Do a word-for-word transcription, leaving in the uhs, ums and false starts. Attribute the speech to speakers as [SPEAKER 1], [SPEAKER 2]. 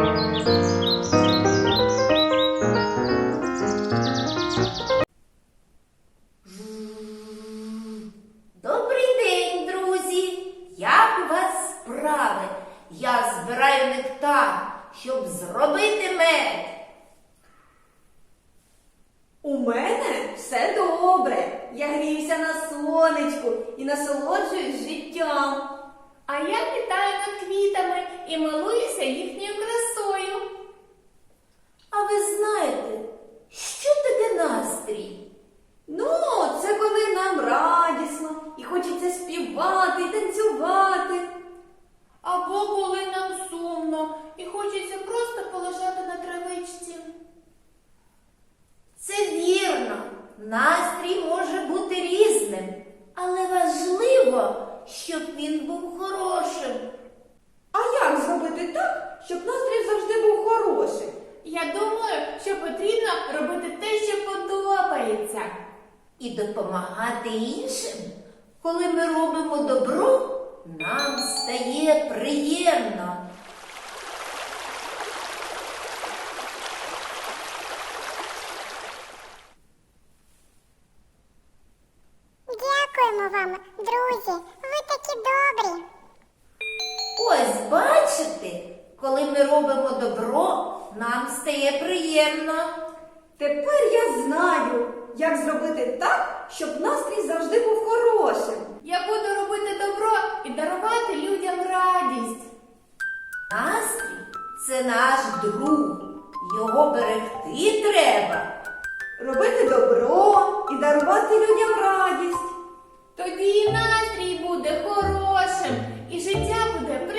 [SPEAKER 1] Добрий день, друзі! Як у вас справи? Я збираю нектар, щоб зробити мед.
[SPEAKER 2] У мене все добре. Я гріюся на сонечку і насолоджуюсь життям.
[SPEAKER 3] А я літаю над квітами і милуюся їхньою красою.
[SPEAKER 1] А ви знаєте, що таке настрій?
[SPEAKER 2] Ну, це коли нам радісно і хочеться співати і танцювати.
[SPEAKER 3] Або коли нам сумно і хочеться просто полежати на травичці.
[SPEAKER 1] Це вірно. Настрій може бути різним, але важливо, щоб він був хорошим.
[SPEAKER 2] А як зробити так, щоб настрій завжди був хороший?
[SPEAKER 3] Я думаю, що потрібно робити те, що подобається.
[SPEAKER 1] І допомагати іншим. Коли ми робимо добро, нам стає приємно.
[SPEAKER 4] Дякуємо вам, друзі, ви такі добрі.
[SPEAKER 1] Ось бачите, коли ми робимо добро, нам стає приємно.
[SPEAKER 2] Тепер я знаю, як зробити так, щоб настрій завжди був хорошим.
[SPEAKER 3] Я буду робити добро і дарувати людям радість.
[SPEAKER 1] Настрій – це наш друг. Його берегти треба.
[SPEAKER 2] Робити добро і дарувати людям радість.
[SPEAKER 3] Тоді і настрій буде хорошим, і життя буде прекрасним.